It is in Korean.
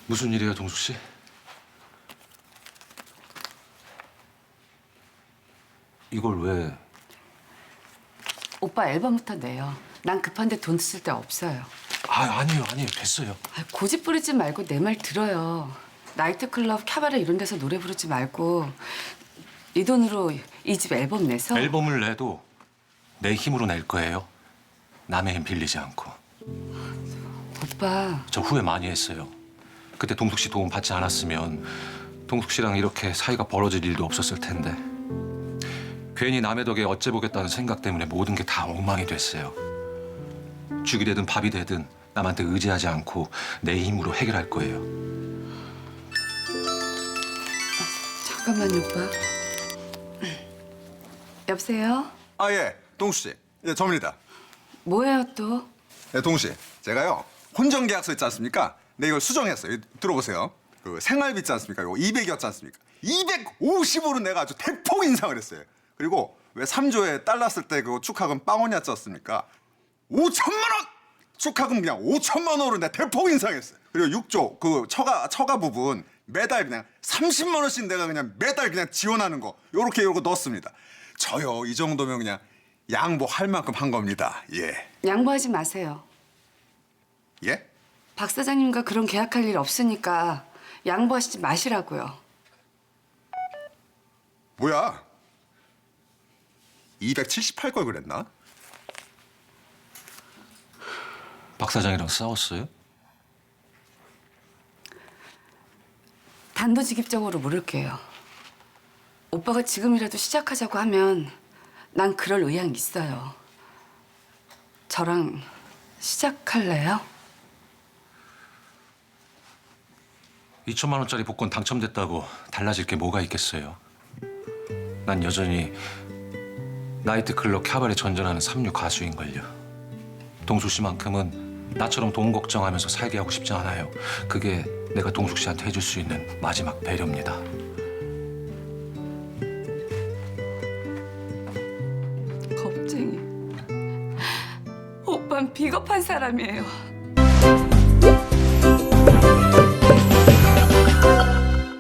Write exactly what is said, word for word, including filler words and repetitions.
무슨 일이에요, 동숙 씨? 이걸 왜? 오빠 앨범부터 내요. 난 급한데 돈 쓸 데 없어요. 아, 아니에요, 아니에요. 됐어요. 아, 고집 부리지 말고 내 말 들어요. 나이트클럽, 캬바레 이런 데서 노래 부르지 말고 이 돈으로 이 집 앨범 내서 앨범을 내도 내 힘으로 낼 거예요. 남의 힘 빌리지 않고. 오빠 저 후회 많이 했어요. 그때 동숙 씨 도움 받지 않았으면 동숙 씨랑 이렇게 사이가 벌어질 일도 없었을 텐데. 괜히 남의 덕에 어째 보겠다는 생각 때문에 모든 게 다 엉망이 됐어요. 죽이 되든 밥이 되든 남한테 의지하지 않고 내 힘으로 해결할 거예요. 잠깐만요, 오빠. 여보세요? 아, 예, 동수 씨. 예, 저입니다. 뭐예요 또? 예, 동수 씨. 제가요, 혼전계약서 있지 않습니까? 네, 이걸 수정했어요. 이- 들어보세요. 그 생활비 있지 않습니까? 이거 이백이었지 않습니까? 이백오십으로 내가 아주 대폭 인상을 했어요. 그리고 왜 삼 조에 딸 났을 때 그 축하금 빵원이었지 않습니까? 오천만 원! 축하금 그냥 오천만 원으로 내가 대폭 인상했어요. 그리고 육 조 그 처가 처가 부분 매달 그냥 삼십만 원씩 내가 그냥 매달 그냥 지원하는 거 요렇게 요거 넣었습니다. 저요 이 정도면 그냥 양보할 만큼 한 겁니다. 예. 양보하지 마세요. 예? 박 사장님과 그런 계약할 일 없으니까 양보하시지 마시라고요. 뭐야? 이백칠십팔 걸 그랬나? 박 사장이랑 싸웠어요? 단도직입적으로 물을게요. 오빠가 지금이라도 시작하자고 하면 난 그럴 의향이 있어요. 저랑 시작할래요? 이천만 원짜리 복권 당첨됐다고 달라질 게 뭐가 있겠어요? 난 여전히 나이트클럽 캬바레 전전하는 삼류 가수인걸요. 동숙 씨만큼은 나처럼 돈 걱정하면서 살게 하고 싶지 않아요. 그게 내가 동숙 씨한테 해줄 수 있는 마지막 배려입니다. 겁쟁이. 오빠는 비겁한 사람이에요.